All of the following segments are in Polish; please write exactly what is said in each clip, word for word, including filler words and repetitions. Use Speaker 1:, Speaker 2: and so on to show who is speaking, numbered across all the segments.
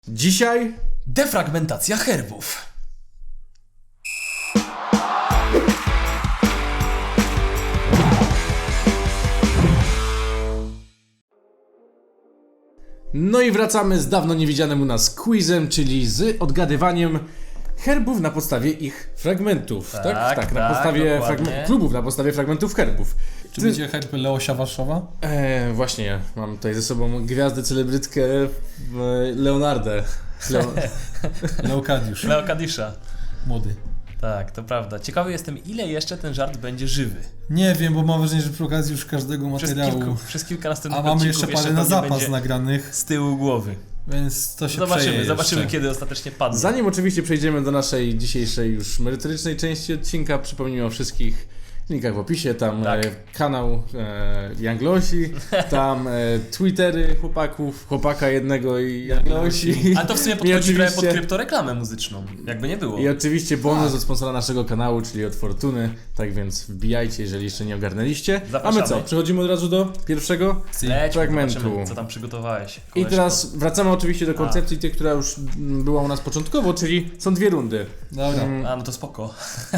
Speaker 1: Dzisiaj
Speaker 2: defragmentacja herbów.
Speaker 1: No i wracamy z dawno niewidzianym u nas quizem, czyli z odgadywaniem herbów na podstawie ich fragmentów. Tak, tak, tak na
Speaker 2: tak,
Speaker 1: podstawie
Speaker 2: dokładnie.
Speaker 1: fragmen- klubów, na podstawie fragmentów herbów.
Speaker 3: Czy
Speaker 1: Ty-
Speaker 3: będzie herb Leosia Warszawa?
Speaker 1: E, właśnie, mam tutaj ze sobą gwiazdę, celebrytkę e, Leonardę. Leo-
Speaker 3: Leokadiusz.
Speaker 2: Leokadisza.
Speaker 3: Młody.
Speaker 2: Tak, to prawda. Ciekawy jestem, ile jeszcze ten żart będzie żywy.
Speaker 3: Nie wiem, bo mam wrażenie, że przy okazji już każdego
Speaker 2: Przez,
Speaker 3: materiału.
Speaker 2: kilku, przez kilka następnych
Speaker 3: A mamy
Speaker 2: odcinków
Speaker 3: jeszcze parę na
Speaker 2: pewnie
Speaker 3: zapas
Speaker 2: będzie
Speaker 3: nagranych,
Speaker 2: z tyłu głowy.
Speaker 3: więc to się
Speaker 2: Zobaczymy,
Speaker 3: przeje
Speaker 2: zobaczymy
Speaker 3: jeszcze.
Speaker 2: kiedy ostatecznie padnie.
Speaker 1: Zanim oczywiście przejdziemy do naszej dzisiejszej już merytorycznej części odcinka, przypomnijmy o wszystkich linkach w opisie, tam
Speaker 2: Tak.
Speaker 1: e, kanał e, Younglosi, tam e, Twittery chłopaków, chłopaka jednego i Younglosi.
Speaker 2: Ale to w sumie
Speaker 1: I
Speaker 2: podchodzi trochę pod
Speaker 1: oczywiście-
Speaker 2: kryptoreklamę muzyczną, jakby nie było.
Speaker 1: I oczywiście bonus od sponsora naszego kanału, czyli od Fortuny, tak więc wbijajcie, jeżeli jeszcze nie ogarnęliście. A my
Speaker 2: Zapraszamy.
Speaker 1: co, przechodzimy od razu do pierwszego?
Speaker 2: Lećmy,
Speaker 1: fragmentu.
Speaker 2: zobaczymy, co tam przygotowałeś.
Speaker 1: I
Speaker 2: Koleżko.
Speaker 1: teraz wracamy oczywiście do koncepcji tej, która już mm, była u nas początkowo, czyli są dwie rundy.
Speaker 3: Dobra,
Speaker 1: Mm,
Speaker 2: A, no to spoko.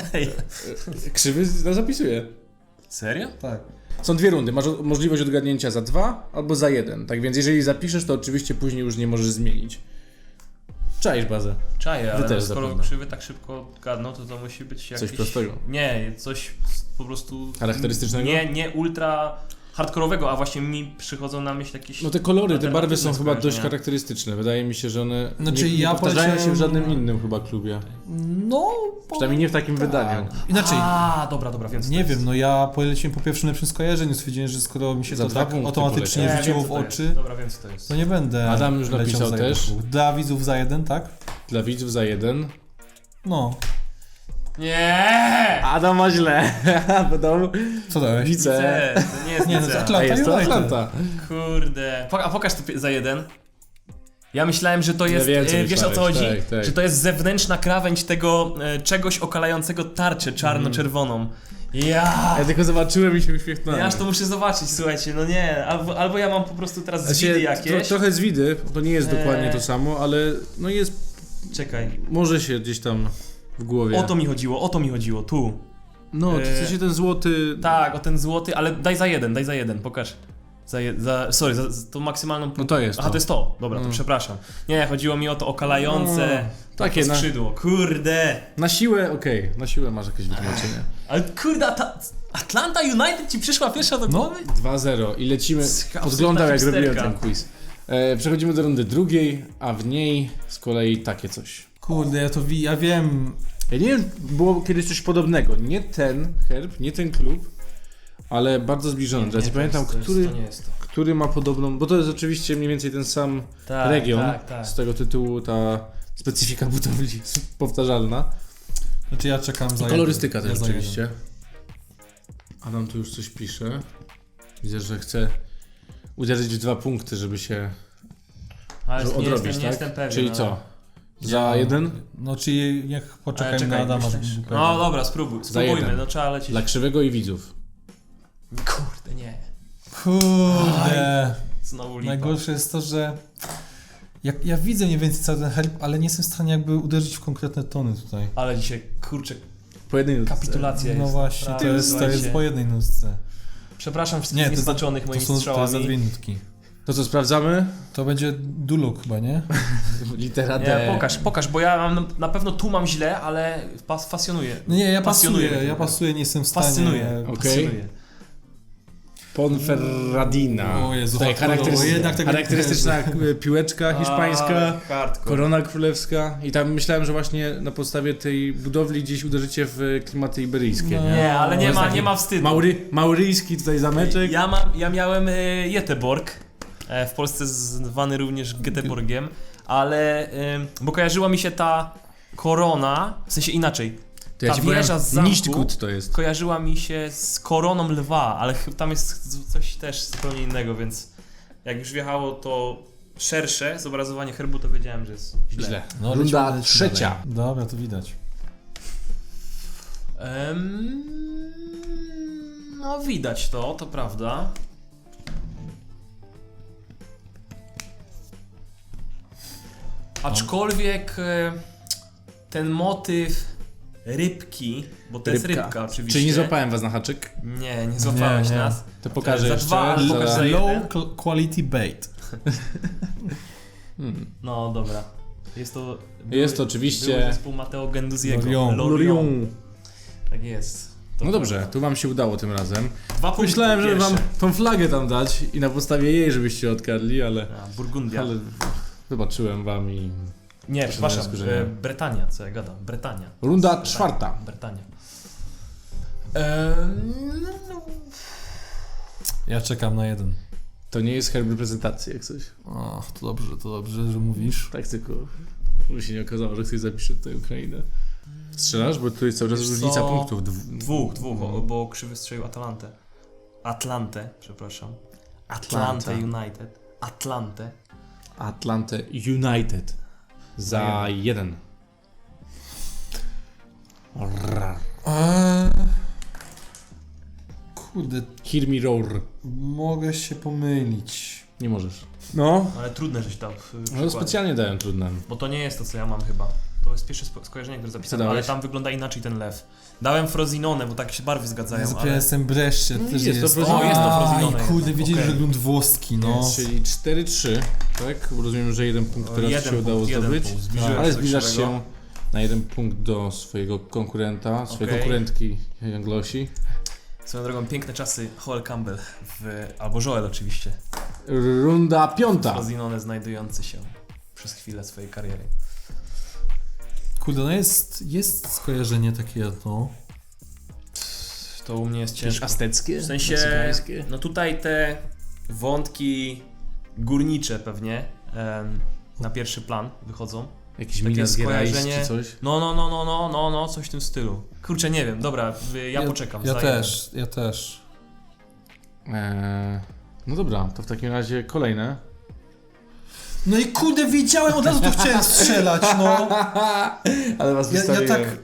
Speaker 1: Krzywy z- zapisuję.
Speaker 2: Serio?
Speaker 3: tak.
Speaker 1: Są dwie rundy, masz o- możliwość odgadnięcia za dwa albo za jeden. Tak więc jeżeli zapiszesz, to oczywiście później już nie możesz zmienić. Czaisz bazę.
Speaker 2: Czaję, ale
Speaker 1: też
Speaker 2: no, skoro
Speaker 1: zapewne.
Speaker 2: krzywy tak szybko gadną, to to musi być jakieś...
Speaker 1: Coś prostego.
Speaker 2: Nie, coś po prostu...
Speaker 1: Charakterystycznego?
Speaker 2: Nie, nie ultra hardkorowego, a właśnie mi przychodzą na myśl jakieś...
Speaker 1: No te kolory, te barwy są
Speaker 2: alternatywne
Speaker 1: chyba dość
Speaker 2: skojarzenia.
Speaker 1: charakterystyczne. Wydaje mi się, że one
Speaker 3: Znaczy,
Speaker 1: nie, nie
Speaker 3: ja
Speaker 1: powtarzają się w
Speaker 3: poleciałem-
Speaker 1: żadnym innym chyba klubie.
Speaker 3: No,
Speaker 1: Przynajmniej nie w takim wydaniu.
Speaker 3: inaczej.
Speaker 2: A, dobra, dobra, więc
Speaker 3: Nie wiem, no ja poleciłem po pierwszym lepszym skojarzeniu, stwierdziłem, że skoro mi się
Speaker 1: Za
Speaker 3: to
Speaker 1: dwa
Speaker 3: tak
Speaker 1: punkty
Speaker 3: automatycznie
Speaker 1: poleciałem.
Speaker 3: rzuciło
Speaker 2: wiem,
Speaker 3: w
Speaker 2: co to jest.
Speaker 3: oczy,
Speaker 2: Dobra, wiem co to jest.
Speaker 3: to nie będę
Speaker 1: Adam już
Speaker 3: leciał
Speaker 1: napisał
Speaker 3: za
Speaker 1: też.
Speaker 3: jeden. Dla widzów za jeden, tak?
Speaker 1: Dla widzów za jeden.
Speaker 3: No.
Speaker 2: Nie!
Speaker 1: Adam ma źle. Będą
Speaker 3: Co dałeś?
Speaker 1: wice.
Speaker 2: To nie jest
Speaker 3: Nie, no
Speaker 2: nic.
Speaker 3: to
Speaker 1: A
Speaker 3: Atlanta
Speaker 1: jest to
Speaker 3: United.
Speaker 1: Atlanta.
Speaker 2: Kurde. Pok- A pokaż to pi- za jeden. Ja myślałem, że to jest,
Speaker 1: wiem, co
Speaker 2: e, wiesz o co
Speaker 1: myślałeś,
Speaker 2: chodzi?
Speaker 1: tak, tak.
Speaker 2: Że to jest zewnętrzna krawędź tego e, czegoś okalającego tarczę czarno-czerwoną. Ja!
Speaker 1: Ja tylko zobaczyłem i się uśmiechnąłem.
Speaker 2: Ja aż to muszę zobaczyć, słuchajcie, no nie, albo, albo ja mam po prostu teraz
Speaker 1: Znaczy,
Speaker 2: zwidy
Speaker 1: tro,
Speaker 2: jakieś.
Speaker 1: trochę z widy, to nie jest
Speaker 2: Eee.
Speaker 1: dokładnie to samo, ale no jest,
Speaker 2: Czekaj,
Speaker 1: może się gdzieś tam w głowie.
Speaker 2: o to mi chodziło, o to mi chodziło, tu.
Speaker 1: No, to
Speaker 2: Eee.
Speaker 1: w sensie ten złoty...
Speaker 2: Tak, o ten złoty, ale daj za jeden, daj za jeden, pokaż. Za, je, za sorry, za, za tą maksymalną...
Speaker 1: No to jest
Speaker 2: Aha,
Speaker 1: to.
Speaker 2: to jest to, dobra, to
Speaker 1: No.
Speaker 2: przepraszam. Nie, chodziło mi o to okalające
Speaker 1: No,
Speaker 2: takie
Speaker 1: takie na-
Speaker 2: skrzydło, kurde.
Speaker 1: Na siłę, okej, na siłę masz jakieś wytłumaczenie.
Speaker 2: Ale kurde, ta, Atlanta United ci przyszła pierwsza do
Speaker 3: No.
Speaker 2: głowy?
Speaker 1: dwa zero i lecimy.
Speaker 2: Absolutna
Speaker 1: Podglądam jak
Speaker 2: hipsterka.
Speaker 1: robiłem ten quiz. E, przechodzimy do rundy drugiej, a w niej z kolei takie coś.
Speaker 3: Kurde, ja to wi- ja wiem.
Speaker 1: Ja nie wiem, było kiedyś coś podobnego. Nie ten herb, nie ten klub, ale bardzo zbliżony. Teraz nie,
Speaker 2: to
Speaker 1: pamiętam,
Speaker 2: jest, to jest,
Speaker 1: który,
Speaker 2: to nie jest to.
Speaker 1: który ma podobną, bo to jest oczywiście mniej więcej ten sam
Speaker 2: Tak,
Speaker 1: region.
Speaker 2: tak, tak.
Speaker 1: Z tego tytułu ta specyfika budowli jest powtarzalna.
Speaker 3: Znaczy ja czekam za
Speaker 1: I kolorystyka
Speaker 3: jeden.
Speaker 1: też
Speaker 3: Ja za
Speaker 1: oczywiście.
Speaker 3: jeden.
Speaker 1: Adam tu już coś pisze. Widzę, że chce uderzyć w dwa punkty, żeby się
Speaker 2: Ale
Speaker 1: żeby
Speaker 2: nie
Speaker 1: odrobić,
Speaker 2: jestem, nie
Speaker 1: tak?
Speaker 2: jestem pewien.
Speaker 1: Czyli
Speaker 2: no.
Speaker 1: co? Za
Speaker 3: Ja-
Speaker 1: jeden?
Speaker 3: No czyli niech
Speaker 2: Ale
Speaker 3: poczekajmy
Speaker 2: czekaj,
Speaker 3: na Adama,
Speaker 2: myślisz?
Speaker 3: żeby był
Speaker 2: No
Speaker 3: pewien.
Speaker 2: dobra, spróbuj, spróbujmy,
Speaker 1: jeden.
Speaker 2: no trzeba lecieć.
Speaker 1: Dla krzywego i widzów.
Speaker 2: Kurde, nie.
Speaker 3: Kurde.
Speaker 2: Znowu lipa.
Speaker 3: Najgorsze jest to, że ja, ja widzę mniej więcej cały ten herb, ale nie jestem w stanie jakby uderzyć w konkretne tony tutaj.
Speaker 2: Ale dzisiaj, kurczę,
Speaker 1: Po jednej nutce.
Speaker 2: kapitulacja
Speaker 3: No
Speaker 2: jest.
Speaker 3: właśnie, to
Speaker 2: Prawda,
Speaker 3: jest, to jest
Speaker 2: słuchajcie.
Speaker 3: po jednej nutce.
Speaker 2: Przepraszam wszystkich
Speaker 3: Nie, to, za,
Speaker 2: nieznaczonych
Speaker 3: to,
Speaker 2: moimi
Speaker 3: są, to jest za
Speaker 2: strzałami.
Speaker 3: dwie nutki.
Speaker 1: To co, sprawdzamy?
Speaker 3: To będzie Duluk chyba, nie?
Speaker 1: Litera D.
Speaker 2: Nie, pokaż, pokaż, bo ja mam, na pewno tu mam źle, ale pas, fascjonuje.
Speaker 3: No nie, ja
Speaker 2: Pasjonuje
Speaker 3: pasuję,
Speaker 2: mnie
Speaker 3: ja
Speaker 2: to.
Speaker 3: pasuję, nie jestem w stanie...
Speaker 2: Fascynuje.
Speaker 1: Okej.
Speaker 2: Fascynuje.
Speaker 1: Ponferradina.
Speaker 3: O Jezu,
Speaker 1: Tutaj
Speaker 3: hardkorowo,
Speaker 1: charakterystyczna,
Speaker 3: jednak tego nie
Speaker 1: charakterystyczna e, piłeczka hiszpańska.
Speaker 2: Ale hardcore.
Speaker 1: Korona królewska. I tam myślałem, że właśnie na podstawie tej budowli gdzieś uderzycie w klimaty iberyjskie.
Speaker 3: No.
Speaker 1: Nie?
Speaker 2: Nie, ale
Speaker 1: To
Speaker 2: nie
Speaker 1: jest
Speaker 2: ma,
Speaker 1: taki
Speaker 2: nie ma wstydu.
Speaker 1: Maury, mauryjski tutaj zameczek.
Speaker 2: Ja, mam, ja miałem e, Göteborg, e, w Polsce zwany również Göteborgiem, ale e, bo kojarzyła mi się ta korona, w sensie inaczej.
Speaker 1: To ja
Speaker 2: ta
Speaker 1: ci powiem,
Speaker 2: wieża z zamku
Speaker 1: Nichtgut to jest.
Speaker 2: kojarzyła mi się z koroną lwa, ale ch- tam jest z- coś też zupełnie innego, więc jak już wjechało to szersze zobrazowanie herbu, to wiedziałem, że jest źle.
Speaker 1: Źle.
Speaker 3: No,
Speaker 1: Runda
Speaker 3: lecimy, lecimy
Speaker 1: trzecia.
Speaker 3: dalej. Dobra, to widać.
Speaker 2: Em, no widać to, to prawda. Aczkolwiek e, ten motyw rybki, bo to jest rybka oczywiście.
Speaker 1: Czyli nie złapałem was na haczyk?
Speaker 2: Nie, nie złapałeś
Speaker 3: Nie, nie.
Speaker 2: nas.
Speaker 1: To pokażę
Speaker 2: Za
Speaker 1: jeszcze.
Speaker 2: dwa, ale
Speaker 1: za-
Speaker 2: pokaż za jeden.
Speaker 3: Low cl- quality bait.
Speaker 1: Hmm.
Speaker 2: No dobra. Jest to...
Speaker 1: Jest to oczywiście-
Speaker 2: Były zespół Matteo Genduziego.
Speaker 3: Lorion.
Speaker 1: Lorion.
Speaker 2: Tak jest. To
Speaker 1: No dobrze, tu wam się udało tym razem.
Speaker 2: Dwa punkty
Speaker 1: Myślałem, żeby
Speaker 2: pierwsze.
Speaker 1: wam tą flagę tam dać i na podstawie jej, żebyście odkradli, ale...
Speaker 2: A, Burgundia.
Speaker 1: Ale wybaczyłem wam i...
Speaker 2: Nie,
Speaker 1: Proszę
Speaker 2: przepraszam,
Speaker 1: na wniosku, że
Speaker 2: e,
Speaker 1: nie.
Speaker 2: Brytania, co ja gadam, Brytania.
Speaker 1: Runda
Speaker 2: Brytania.
Speaker 1: czwarta.
Speaker 2: Brytania. Ehm, no,
Speaker 3: Ja czekam na jeden.
Speaker 1: To nie jest herb reprezentacji, jak coś.
Speaker 3: Ach, to dobrze, to dobrze, że mówisz.
Speaker 1: Tak tylko, żeby się nie okazało, że ktoś zapisze tutaj Ukrainę. Strzelasz? Bo tu jest cały czas
Speaker 2: Wiesz
Speaker 1: różnica
Speaker 2: co?
Speaker 1: punktów. Dw-
Speaker 2: dwóch, dwóch,
Speaker 1: No.
Speaker 2: o, bo Krzywy strzelił Atalantę. Atlantę, przepraszam. Atlantę
Speaker 1: Atlanta.
Speaker 2: United. Atlantę.
Speaker 1: Atlanta United. Za jeden. Rrr.
Speaker 3: Eee, kurde,
Speaker 1: Hear me roar.
Speaker 3: mogę się pomylić.
Speaker 1: Nie możesz. No.
Speaker 2: Ale trudne, żeś dał w
Speaker 1: No
Speaker 2: przykładzie.
Speaker 1: specjalnie dałem trudne.
Speaker 2: Bo to nie jest to, co ja mam chyba. To jest pierwsze spo- skojarzenie, które zapisałem,
Speaker 1: dałeś?
Speaker 2: ale tam wygląda inaczej ten lew. Dałem Frozinone, bo tak się barwy zgadzają,
Speaker 3: Ja
Speaker 2: ale...
Speaker 3: zapisałem jestem Brescia,
Speaker 1: No
Speaker 3: też
Speaker 1: jest to
Speaker 3: jest.
Speaker 1: Frosinone.
Speaker 2: O, jest to
Speaker 3: Aj,
Speaker 2: Frosinone
Speaker 3: kurde,
Speaker 2: jednak,
Speaker 3: wiedzieli,
Speaker 2: okej.
Speaker 3: że grunt włoski, no.
Speaker 1: Czyli cztery trzy, tak? Rozumiem, że jeden punkt
Speaker 2: O,
Speaker 1: teraz
Speaker 2: jeden
Speaker 1: się udało
Speaker 2: punkt, jeden
Speaker 1: zdobyć.
Speaker 2: punkt. Zbliżyłem
Speaker 1: Ale
Speaker 2: się do
Speaker 1: zbliżasz
Speaker 2: Krzywego.
Speaker 1: się na jeden punkt do swojego konkurenta, swojej
Speaker 2: Okej.
Speaker 1: konkurentki Anglosi.
Speaker 2: Swoją drogą, piękne czasy Joel Campbell, w, albo Joel oczywiście.
Speaker 1: Runda piąta.
Speaker 2: Frozinone znajdujący się przez chwilę swojej kariery.
Speaker 3: Kurde, no jest, jest skojarzenie takie jedno.
Speaker 2: To u mnie jest
Speaker 1: Jakieś
Speaker 2: ciężko.
Speaker 1: azteckie?
Speaker 2: W sensie,
Speaker 1: meksykańskie?
Speaker 2: no tutaj te wątki górnicze pewnie em, na pierwszy plan wychodzą.
Speaker 1: Jakieś
Speaker 2: takie
Speaker 1: Minas Gerais
Speaker 2: skojarzenie-
Speaker 1: czy coś?
Speaker 2: No, no, no, no, no, no, no, coś w tym stylu. Kurczę, nie wiem, dobra, y, ja, poczekam.
Speaker 3: Ja
Speaker 2: za
Speaker 3: też, ja też.
Speaker 1: Eee, no dobra, to w takim razie kolejne.
Speaker 3: No i kurde, wiedziałem, od razu to chciałem strzelać, no.
Speaker 1: Ale was
Speaker 3: Ja, ja
Speaker 1: wystawiłem.
Speaker 3: tak...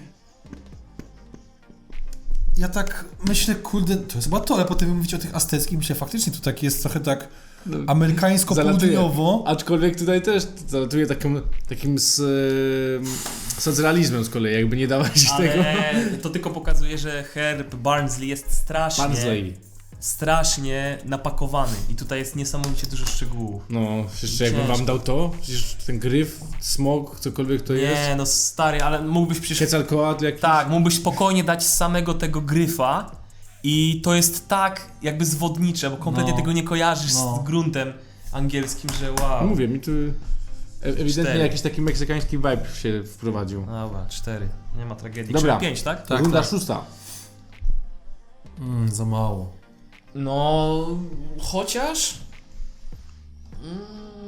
Speaker 3: Ja tak myślę, kurde, to jest chyba to, ale potem mówicie o tych azteckich, myślę, faktycznie to tak jest trochę tak
Speaker 1: No,
Speaker 3: amerykańsko-południowo.
Speaker 1: aczkolwiek tutaj też zalatuje takim, takim z, e, socrealizmem z kolei, jakby nie dawać tego.
Speaker 2: Ale to tylko pokazuje, że Herb Barnsley jest strasznie,
Speaker 1: Barnsley.
Speaker 2: strasznie napakowany i tutaj jest niesamowicie dużo szczegółów.
Speaker 1: No, jeszcze jakbym
Speaker 2: Ciężko.
Speaker 1: wam dał to, przecież ten gryf, smog, cokolwiek to jest.
Speaker 2: Nie, no stary, ale mógłbyś przecież...
Speaker 1: Quetzalcoatl jakiś.
Speaker 2: Tak, mógłbyś spokojnie dać samego tego gryfa i to jest tak jakby zwodnicze, bo kompletnie
Speaker 3: No.
Speaker 2: tego nie kojarzysz
Speaker 3: No.
Speaker 2: z gruntem angielskim, że wow.
Speaker 1: No mówię, mi tu e- ewidentnie
Speaker 2: Cztery.
Speaker 1: jakiś taki meksykański vibe się wprowadził.
Speaker 2: Dobra, cztery. Nie ma tragedii.
Speaker 1: Dobra.
Speaker 2: Krzywy pięć, tak?
Speaker 3: Tak,
Speaker 1: Runda
Speaker 3: tak.
Speaker 1: szósta.
Speaker 3: Mm, za mało.
Speaker 2: No, chociaż... Mm,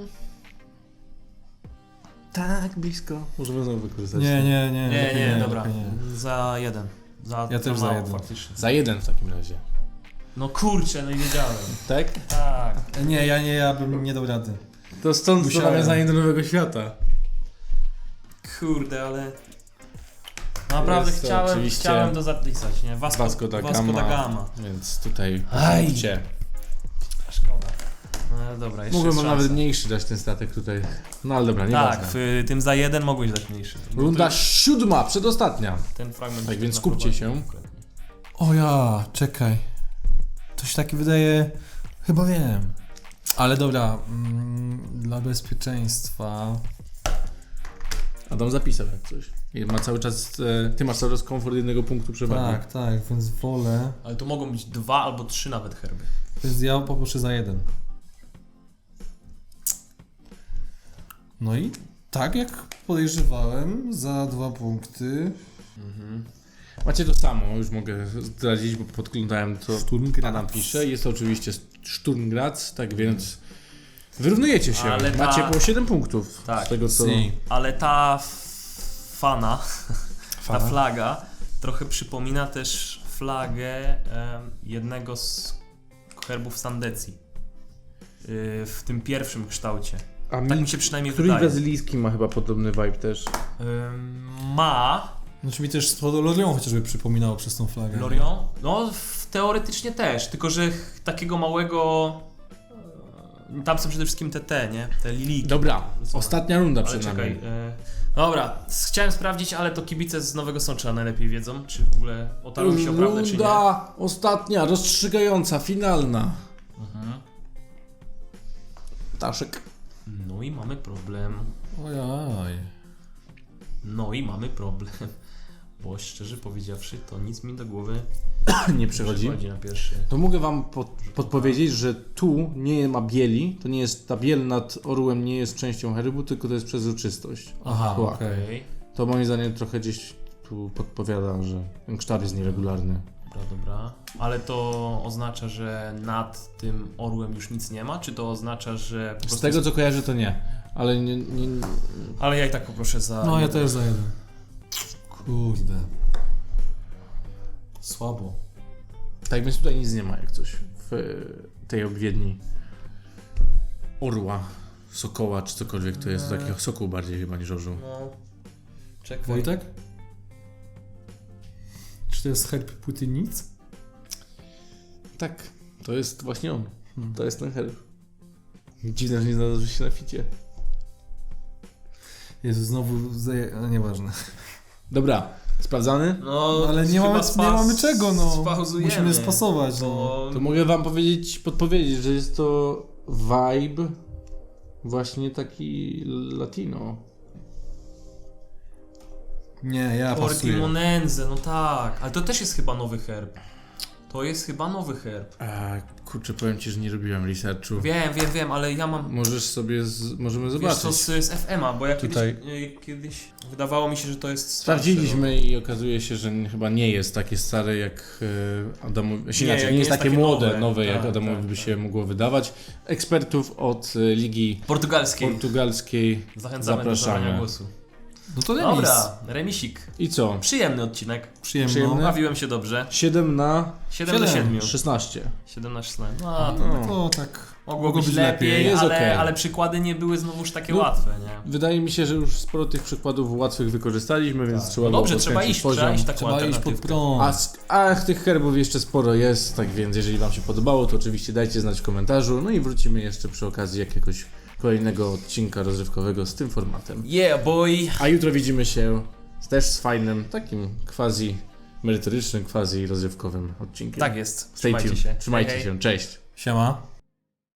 Speaker 1: Tak, blisko. Możemy znowu wykorzystać.
Speaker 3: Nie, nie, nie.
Speaker 2: nie,
Speaker 3: lepiej
Speaker 2: nie, dobra.
Speaker 3: lepiej nie.
Speaker 2: Za jeden. Za,
Speaker 3: Ja
Speaker 2: za
Speaker 3: też za
Speaker 2: mało,
Speaker 3: jeden.
Speaker 2: faktycznie.
Speaker 1: Za jeden w takim razie.
Speaker 2: No kurczę, no i wiedziałem.
Speaker 1: Tak?
Speaker 2: Tak.
Speaker 3: Nie, ja nie, ja bym nie dał rady.
Speaker 1: To stąd to
Speaker 3: Musiałem.
Speaker 1: nawiązanie do Nowego Świata.
Speaker 2: Kurde, ale... Naprawdę
Speaker 1: Jest to
Speaker 2: chciałem,
Speaker 1: oczywiście
Speaker 2: chciałem to zapisać, nie? Vasco,
Speaker 1: Vasco da
Speaker 2: Vasco
Speaker 1: Gama.
Speaker 2: da Gama.
Speaker 1: Więc tutaj
Speaker 2: Aj.
Speaker 1: punkcie.
Speaker 2: Szkoda. No dobra, jeszcze
Speaker 1: Mógłbym
Speaker 2: jest
Speaker 1: nawet
Speaker 2: szansa.
Speaker 1: mniejszy dać ten statek tutaj. No ale dobra, nie
Speaker 2: Tak, w tym za jeden mogłeś dać mniejszy. Bo
Speaker 1: Runda
Speaker 2: to-
Speaker 1: siódma, przedostatnia.
Speaker 2: Ten fragment...
Speaker 1: Tak
Speaker 2: się
Speaker 1: więc
Speaker 2: naprowadzi
Speaker 1: skupcie się.
Speaker 2: konkretnie.
Speaker 3: O ja, czekaj. To się takie wydaje... Chyba wiem. Ale dobra, mm, dla bezpieczeństwa...
Speaker 1: Adam zapisał jak coś. I ma cały czas, e, ty masz cały czas komfort jednego punktu przewagi.
Speaker 3: Tak, tak, więc wolę...
Speaker 2: Ale to mogą być dwa albo trzy nawet herby.
Speaker 3: Więc ja poproszę za jeden. No i tak jak podejrzewałem, za dwa punkty.
Speaker 1: Macie to samo, już mogę zdradzić, bo podglądałem to. Adam pisze. Jest to oczywiście Sturmgraz, tak więc wyrównujecie się.
Speaker 2: Ale ta-
Speaker 1: Macie po siedem punktów
Speaker 2: Tak.
Speaker 1: z tego co...
Speaker 3: Si.
Speaker 2: Ale ta f- fana,
Speaker 3: Fana?
Speaker 2: ta flaga trochę przypomina też flagę em, jednego z herbów Sandecji. Yy, w tym pierwszym kształcie.
Speaker 1: A
Speaker 2: Tak mi się przynajmniej
Speaker 1: Któryś
Speaker 2: wydaje.
Speaker 1: brazylijski ma chyba podobny vibe też.
Speaker 2: Ym, ma
Speaker 3: Znaczy mi też to Lorion chociażby przypominało przez tą flagę. nie?
Speaker 2: Lorion? No w- teoretycznie też, tylko że ch- takiego małego tam są przede wszystkim te te, nie? Te liliki.
Speaker 1: Dobra,
Speaker 2: Co?
Speaker 1: ostatnia runda
Speaker 2: Ale
Speaker 1: przed
Speaker 2: czekaj,
Speaker 1: nami.
Speaker 2: e, dobra, s- chciałem sprawdzić, ale to kibice z Nowego Sącza najlepiej wiedzą, czy w ogóle otarły się o prawdę, czy nie.
Speaker 1: Runda ostatnia, rozstrzygająca, finalna.
Speaker 2: Mhm.
Speaker 1: Taszek.
Speaker 2: No i mamy problem.
Speaker 3: Ojoj.
Speaker 2: No i mamy problem. Bo szczerze powiedziawszy, to nic mi do głowy
Speaker 1: Nie
Speaker 2: nie
Speaker 1: przychodzi.
Speaker 2: przychodzi na pierwszy.
Speaker 1: To mogę wam pod, podpowiedzieć, że tu nie ma bieli, to nie jest, ta biel nad orłem nie jest częścią herbu, tylko to jest przezroczystość.
Speaker 3: Aha,
Speaker 1: Była.
Speaker 3: okej.
Speaker 2: Okej,
Speaker 1: To moim zdaniem trochę gdzieś tu podpowiada, że ten kształt jest nieregularny.
Speaker 2: dobra, dobra. Ale to oznacza, że nad tym orłem już nic nie ma, czy to oznacza, że po
Speaker 1: Z
Speaker 2: prostu...
Speaker 1: tego co kojarzę to nie, ale nie, nie,
Speaker 2: Ale ja i tak poproszę za...
Speaker 3: No ja też za jeden. Kurde. Słabo.
Speaker 1: tak więc tutaj nic nie ma jak coś w e, tej obwiedni orła, sokoła czy cokolwiek to jest, to taki sokół bardziej chyba niż orzeł.
Speaker 2: No... Czekaj.
Speaker 3: Wojtek? Czy to jest herb Płytynic?
Speaker 1: Tak, to jest właśnie on,
Speaker 3: Hmm.
Speaker 1: to jest ten herb. Dziwne, że nie znalazłeś się na ficie.
Speaker 3: Jezu, znowu zaje... No, nieważne.
Speaker 1: Dobra, sprawdzany?
Speaker 2: No,
Speaker 3: Ale nie
Speaker 2: chyba
Speaker 3: mamy,
Speaker 2: spas-
Speaker 3: nie mamy czego, no.
Speaker 2: spauzujemy,
Speaker 3: Musimy spasować, no.
Speaker 2: bo...
Speaker 1: To mogę wam powiedzieć, podpowiedzieć, że jest to vibe właśnie taki latino.
Speaker 3: Nie, ja pasuję.
Speaker 2: Portimonense, no tak, ale to też jest chyba nowy herb. To jest chyba nowy herb.
Speaker 1: A, kurczę, powiem ci, że nie robiłem researchu.
Speaker 2: Wiem, wiem, wiem, ale ja mam...
Speaker 1: Możesz sobie, z, możemy
Speaker 2: Wiesz
Speaker 1: zobaczyć.
Speaker 2: co, z, z F M a, bo ja kiedyś,
Speaker 1: Tutaj.
Speaker 2: y, kiedyś wydawało mi się, że to jest starsze,
Speaker 1: Sprawdziliśmy i okazuje się, że n- chyba nie jest takie stare jak e, Adamowi. Znaczy,
Speaker 2: Nie,
Speaker 1: inaczej,
Speaker 2: jak
Speaker 1: nie jest takie młode, nowe,
Speaker 2: nowe,
Speaker 1: jak
Speaker 2: tak,
Speaker 1: Adamowi
Speaker 2: tak,
Speaker 1: by
Speaker 2: tak.
Speaker 1: się mogło wydawać. Ekspertów od e, Ligi
Speaker 2: no. Portugalskiej.
Speaker 1: Portugalskiej
Speaker 2: Zachęcamy do
Speaker 1: zapraszamy.
Speaker 2: zabrania głosu.
Speaker 3: No to remis.
Speaker 2: Dobra, remisik.
Speaker 1: I co?
Speaker 2: Przyjemny odcinek.
Speaker 3: Przyjemno.
Speaker 1: Przyjemny.
Speaker 2: Bawiłem się dobrze.
Speaker 1: siedem na
Speaker 2: siedem do
Speaker 3: Siedem.
Speaker 2: siedmiu.
Speaker 1: szesnaście.
Speaker 2: siedem na szesnaście. No, to
Speaker 1: No.
Speaker 3: To tak
Speaker 2: mogło być lepiej,
Speaker 1: Jest
Speaker 2: ale,
Speaker 1: okej.
Speaker 2: ale przykłady nie były znowuż takie
Speaker 1: No.
Speaker 2: łatwe, nie?
Speaker 1: Wydaje mi się, że już sporo tych przykładów łatwych wykorzystaliśmy, więc
Speaker 2: Tak.
Speaker 1: trzeba
Speaker 2: No
Speaker 1: było
Speaker 2: dobrze, trzeba
Speaker 1: podkręcić
Speaker 2: iść,
Speaker 1: poziom.
Speaker 2: trzeba iść taką
Speaker 3: Trzeba iść pod
Speaker 2: alternatywkę.
Speaker 3: prąd.
Speaker 1: A, sk- a tych herbów jeszcze sporo jest, tak więc jeżeli wam się podobało, to oczywiście dajcie znać w komentarzu. No i wrócimy jeszcze przy okazji jakiegoś kolejnego odcinka rozrywkowego z tym formatem.
Speaker 2: Yeah, boy!
Speaker 1: A jutro widzimy się też z fajnym, takim quasi merytorycznym, quasi rozrywkowym odcinkiem.
Speaker 2: Tak jest.
Speaker 1: Stay
Speaker 2: Trzymajcie
Speaker 1: tuned.
Speaker 2: się.
Speaker 1: Trzymajcie
Speaker 2: Hej, hej.
Speaker 1: się. Cześć.
Speaker 3: Siema.